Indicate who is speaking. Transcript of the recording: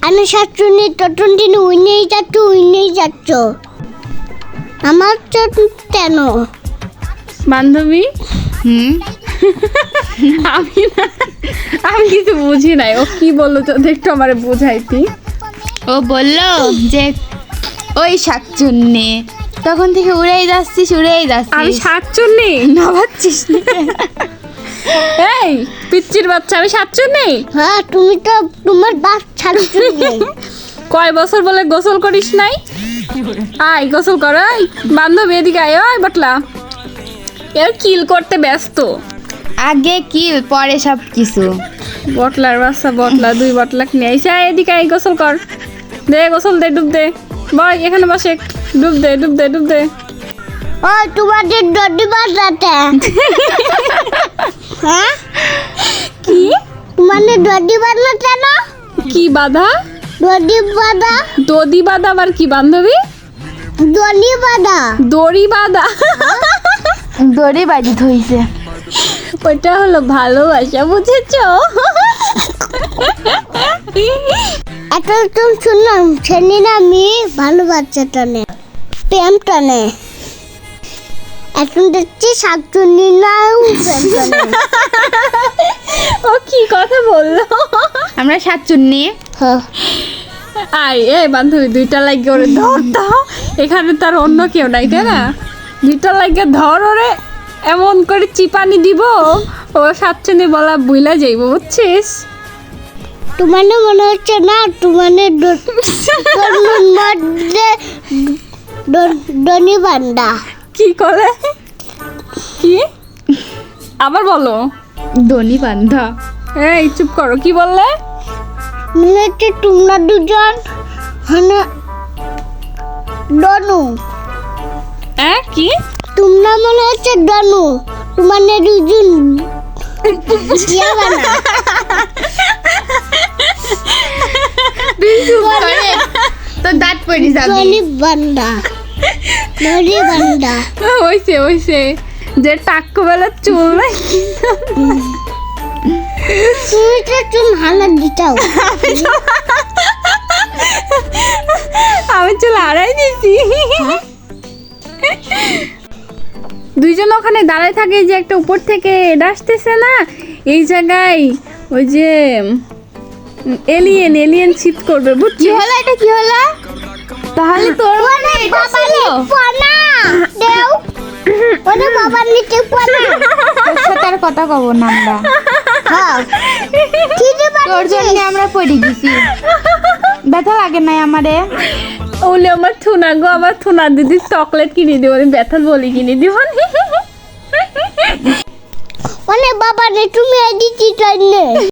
Speaker 1: আমি শাকচুন্নি তটুন্টি উইনেই যাচ্ছ আমার কেন
Speaker 2: বান্ধবী আমি কিছু বুঝি নাই ও কি বললো তো একটু আমারে বুঝাইতি।
Speaker 3: ও বললো যে ওই শাকচুন্নি, তখন থেকে উড়েই যাচ্ছিস
Speaker 2: আমি শাকচুন্নি
Speaker 3: না ভাবছিস না?
Speaker 2: এই পিচ্চির বাচ্চা, আমি শাকচুন্নি?
Speaker 1: হ্যাঁ তুমি তো তোমার বাপ শাকচুন্নি।
Speaker 2: কয় বছর বলে গোসল করিস নাই? আয় গোসল কর। এই বান্ধবী এদিকে আয়। ওই বটলা এর কিল করতে ব্যস্ত।
Speaker 3: আগে কি পরে সব কিছু।
Speaker 2: বটলার বাচ্চা বটলা, 2 বটলা নিয়ে আইসা এদিকে আয় গোসল কর। দে গোসল দে, ডুব দে। বয় এখানে বসে ডুব দে।
Speaker 1: ও তোমাদের দড়ি বাঁধাতে হ্যাঁ
Speaker 2: কি
Speaker 1: তোমাদের দড়ি বাঁধাতে না?
Speaker 2: কি বাধা?
Speaker 1: দড়ি বাঁধা
Speaker 2: আবার কি বান্ধবী?
Speaker 1: দড়ি বাঁধা
Speaker 2: দড়ি বাঁধা
Speaker 3: দড়ি বাজি ধইছে।
Speaker 2: ওইটা হলো ভালোবাসা, বুঝেছো?
Speaker 1: এটা তো শুনলাম ছেলে না মেয়ে ভালো বাচ্চা টানে প্রেম টানে, এখন দেখছি শাকচুন্নি না প্রেম টানে।
Speaker 2: ও কি কথা বললো?
Speaker 3: আমরা শাকচুন্নি।
Speaker 1: হ্যাঁ
Speaker 2: আয় এ বান্ধবী 2টা লাগে ওরে ধর দাও। এখানে তার অন্য কেউ নাই তাই না? 2টা লাগে ধর ওরে, এমন করে চিপানি দিব ও শাকচুন্নি বলা বুইলা যাইব, বুঝছিস?
Speaker 1: তোমার মনে হচ্ছে না তোমার মধ্যে দড়ি বান্ধা।
Speaker 2: কি করে? কি আবার বলো?
Speaker 3: দড়ি বান্ধা।
Speaker 2: এই চুপ করো, কি বললে?
Speaker 1: মনে হচ্ছে তোমরা দুজন মানে ডনু।
Speaker 2: কি
Speaker 1: তোমরা মনে হচ্ছে ডনু, তোমার দুজন ইয়া বানা।
Speaker 3: তো দাঁত পড়ে যাবে।
Speaker 1: দড়ি বান্ধা
Speaker 2: হইছে যে টাক্কু বেলা চুল নাই।
Speaker 1: তুমি তো চুল হানা দিতাও।
Speaker 2: আমি চুল হারাই দিছি। দুইজন ওখানে দাঁড়ায় থাকে, যে একটা উপর থেকে আসতেছে না এই জায়গায়, ওই যে এলিয়েন শিফট করবে,
Speaker 3: কি
Speaker 2: বুঝছিস?
Speaker 3: হলো এটা, কি হলো? তাহলে তোর মনে এটা ছিল?
Speaker 1: পানা দেও ওরে বাবার নিচে পানা।
Speaker 3: তোর সাথে আর কথা কব না আমরা।
Speaker 1: হ্যাঁ ঠিক
Speaker 3: তোর জন্য আমরা পড়ে গেছি। ব্যথা লাগে নাই আমারে?
Speaker 2: ওলে আমার থুনা গো, আমার থুনা দিদি চকলেট কিনে দিব, ব্যথা বলি কিনে দিব।
Speaker 1: মানে বাবা রে তুমি এদিকে চাইলে